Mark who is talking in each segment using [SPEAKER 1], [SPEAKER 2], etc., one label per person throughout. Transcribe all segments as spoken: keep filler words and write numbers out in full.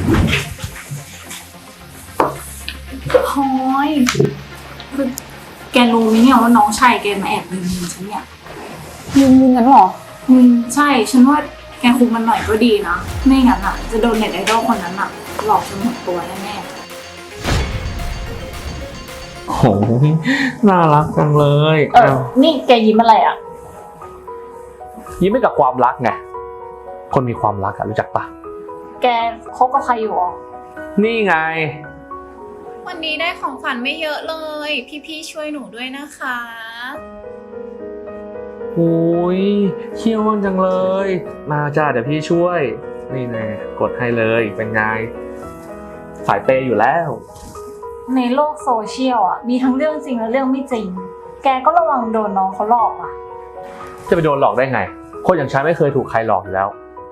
[SPEAKER 1] พลอยคือแกรู้ไหมเนี่ยว่าน้องชายแกมาแอบยิงเงินฉันเนี่ย
[SPEAKER 2] ยิงยิงกันหรอ
[SPEAKER 1] อืมใช่ฉันว่าแกคุมมันหน่อยก็ดีนะไม่งั้นอ่ะจะโดนเน็ตไอดอลคนนั้นอ่ะหลอกจนหมดตัวแน่
[SPEAKER 3] โหน่ารักจังเลย
[SPEAKER 1] ๆเออนี่แกยิ้มอะไรอ่ะ
[SPEAKER 3] ยิ้มให้กับความรักไงคนมีความรักอะรู้จักปะ
[SPEAKER 1] แกคบกับใครอยู่อ่ะ
[SPEAKER 3] นี่ไง
[SPEAKER 4] วันนี้ได้ของขวัญไม่เยอะเลย พี่ๆช่วยหนูด้วยนะคะ
[SPEAKER 3] โอ้ยเขี้ยวจังเลย มาจ้าเดี๋ยวพี่ช่วย นี่ไงกดให้เลยเป็นไงสายเปย์อยู่แล้ว
[SPEAKER 1] ในโลกโซเชียลอ่ะมีทั้งเรื่องจริงและเรื่องไม่จริงแกก็ระวังโดนน้องเขาหลอกอ่ะ
[SPEAKER 3] จะไปโดนหลอกได้ไงคนอย่างฉันไม่เคยถูกใครหลอกอยู่แล้ว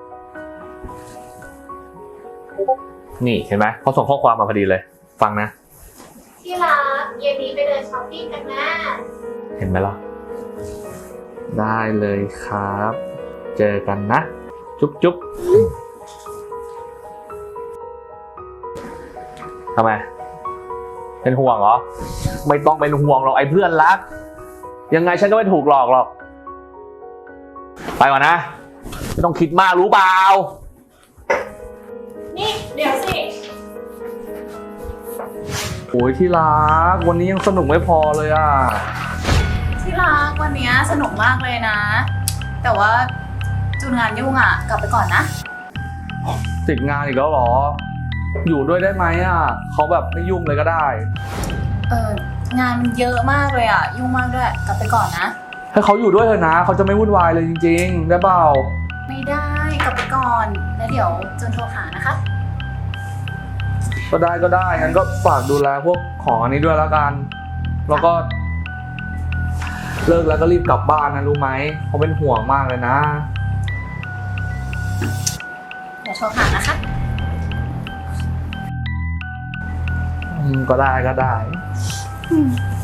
[SPEAKER 3] นี่เห็นไหมเขาส่งข้อความมาพอดีเลยฟังนะ
[SPEAKER 5] ที่รักเย็นนี้ไปเดินช้อปปิ้งกันนะ
[SPEAKER 3] เห็นไหมล่ะได้เลยครับ เจอกันนะ จุ๊บจุ๊บทำไมเป็นห่วงเหรอไม่ต้องเป็นห่วงหรอกไอ้เพื่อนรักยังไงฉันก็ไม่ถูกหลอกหรอกไปก่อนนะไม่ต้องคิดมากรู้เปล่า
[SPEAKER 1] นี่เดี๋ยวสิ
[SPEAKER 3] โอ้ยที่รักวันนี้ยังสนุกไม่พอเลยอ่ะ
[SPEAKER 4] ที่รักวันนี้สนุกมากเลยนะ แต่ว่าจูนงานยุ่งอ่ะ กลับไปก่อนนะ
[SPEAKER 3] ติดงานอีกแล้วเหรออยู่ด้วยได้ไหมอ่ะเขาแบบไม่ยุ่งเลยก็ได้
[SPEAKER 4] เอองานมันเยอะมากเลยอ่ะ ยุ่งมากด้วย กลับไปก่อนนะ
[SPEAKER 3] ให้เขาอยู่ด้วยเถอะนะเขาจะไม่วุ่นวายเลยจริงๆได้เปล่า
[SPEAKER 4] ไม่ได้กลับไปก่อน แล้วเดี๋ยวจูนโทรหานะคะ
[SPEAKER 3] ก็ได้ก็ได้งั้นก็ฝากดูแลพวกของอันนี้ด้วยแล้วกันแล้วก็ เลิกแล้วก็รีบกลับบ้านนะรู้ไหมเขาเป็นห่วงมากเลยนะ
[SPEAKER 4] เดี๋ยวโทรหานะคะ
[SPEAKER 3] อืมก็ได้ก็ได้
[SPEAKER 1] อืม